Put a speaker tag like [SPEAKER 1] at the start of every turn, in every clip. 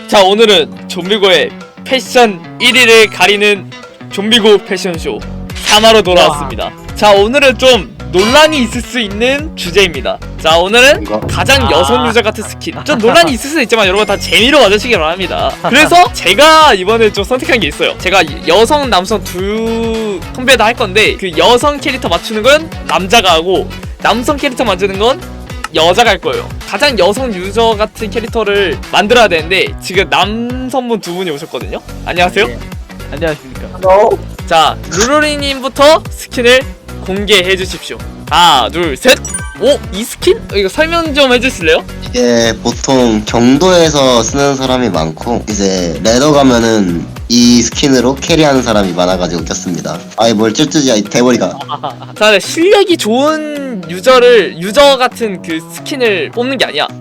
[SPEAKER 1] 자, 오늘은 좀비고의 패션 1위를 가리는 좀비고 패션쇼 3화로 돌아왔습니다. 자, 오늘은 좀 논란이 있을 수 있는 주제입니다. 자, 오늘은 가장 여성 유저 같은 스킨. 좀 논란이 있을 수 있지만 여러분 다 재미로 봐주시기 바랍니다. 그래서 제가 이번에 좀 선택한 게 있어요. 제가 여성, 남성 두 컴배다 할 건데 그 여성 캐릭터 맞추는 건 남자가 하고 남성 캐릭터 만드는 건 여자가 할 거예요. 가장 여성 유저 같은 캐릭터를 만들어야 되는데 지금 남성분 두 분이 오셨거든요. 안녕하세요.
[SPEAKER 2] 네. 안녕하십니까.
[SPEAKER 1] 자, 루루리님부터 스킨을 공개해 주십시오. 하나, 둘, 셋. 오, 이 스킨? 이거 설명 좀 해주실래요?
[SPEAKER 3] 이게 보통 경도에서 쓰는 사람이 많고 이제 레더 가면은 이 스킨으로 캐리하는 사람이 많아가지고 꼈습니다. 아이 뭘 찔찔이 대머리가.
[SPEAKER 1] 자, 실력이 좋은 유저 같은 그 스킨을 뽑는 게 아니야.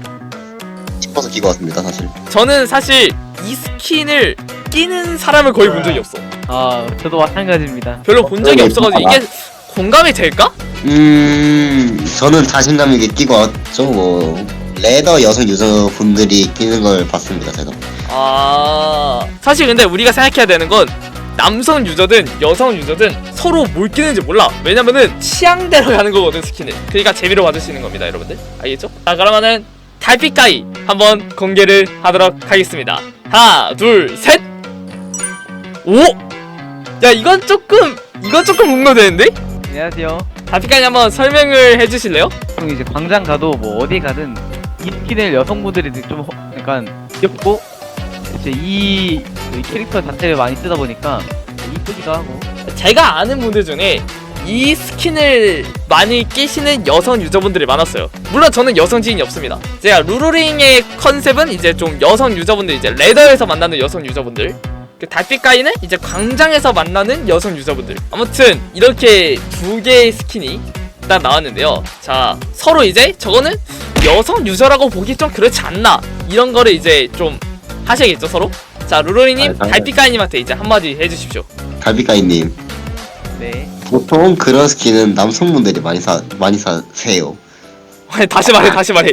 [SPEAKER 3] 싶어서 끼고 왔습니다 사실.
[SPEAKER 1] 저는 사실 이 스킨을 끼는 사람을 거의 본 적이 없어.
[SPEAKER 2] 아, 저도 마찬가지입니다.
[SPEAKER 1] 별로 본 적이 없어가지고 이게 공감이 될까?
[SPEAKER 3] 저는 자신감 있게 끼고 왔죠. 뭐 레더 여성 유저분들이 끼는 걸 봤습니다 제가.
[SPEAKER 1] 아, 사실 근데 우리가 생각해야 되는 건 남성 유저든 여성 유저든 서로 뭘 끼는지 몰라. 왜냐면은 취향대로 가는 거거든 스킨을. 그러니까 재미로 받으시는 겁니다 여러분들. 알겠죠? 자, 그러면은 달빛가이 한번 공개를 하도록 하겠습니다. 하나, 둘, 셋. 오! 야, 이건 조금 공감되는데?
[SPEAKER 2] 안녕하세요.
[SPEAKER 1] 달빛가이 한번 설명을 해주실래요?
[SPEAKER 2] 보통 이제 광장 가도 뭐 어디 가든 이 스킨을 여성분들이 좀 약간 귀엽고 이제 이 캐릭터 자체를 많이 쓰다 보니까 이쁘기도 하고.
[SPEAKER 1] 제가 아는 분들 중에 이 스킨을 많이 끼시는 여성 유저분들이 많았어요. 물론 저는 여성 지인이 없습니다. 제가 루루링의 컨셉은 이제 좀 여성 유저분들, 이제 레더에서 만나는 여성 유저분들, 그 달빛가이는 이제 광장에서 만나는 여성 유저분들. 아무튼 이렇게 두 개의 스킨이 일단 나왔는데요. 자, 서로 이제 저거는 여성 유저라고 보기 좀 그렇지 않나, 이런 거를 이제 좀 하셔야겠죠 서로. 자, 루루링님 달빛가이님한테 이제 한마디 해주십시오.
[SPEAKER 3] 달빛가이님.
[SPEAKER 2] 네.
[SPEAKER 3] 보통 그런 스킨은 남성분들이 많이 사세요.
[SPEAKER 1] 다시 말해.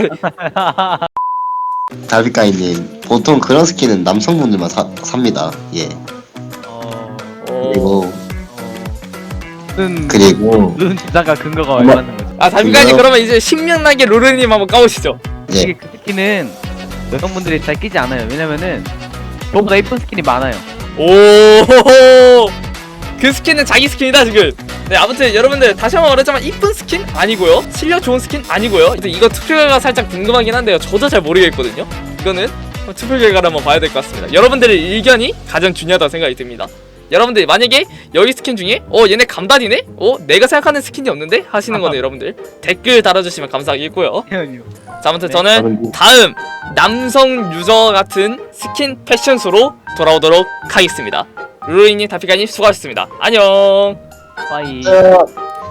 [SPEAKER 3] 달빛가이님 보통 그런 스킨은 남성분들만 삽니다. 예. 그리고
[SPEAKER 2] 눈 주장과 근거가 얼마나 거죠?
[SPEAKER 1] 아, 달빛가이님 그러면 이제 신명나게 루루님 한번 까보시죠.
[SPEAKER 3] 예.
[SPEAKER 2] 이게 그 스킨은 여성분들이 잘 끼지 않아요. 왜냐면은 저보다 예쁜 스킨이 많아요.
[SPEAKER 1] 오, 그 스킨은 자기 스킨이다 지금. 네, 아무튼 여러분들 다시 한번 말하자면 이쁜 스킨 아니고요, 실력 좋은 스킨 아니고요. 이거 투표 결과 살짝 궁금하긴 한데요. 저도 잘 모르겠거든요. 이거는 투표 결과를 한번 봐야 될 것 같습니다. 여러분들의 의견이 가장 중요하다고 생각이 듭니다. 여러분들 만약에 여기 스킨 중에 얘네 감단이네? 내가 생각하는 스킨이 없는데? 하시는 거는 여러분들 댓글 달아주시면 감사하겠고요. 자, 아무튼 저는 다음 남성 유저 같은 스킨 패션쇼로 돌아오도록 하겠습니다. 루루이님, 달빛가이님 수고하셨습니다. 안녕.
[SPEAKER 2] 빠이.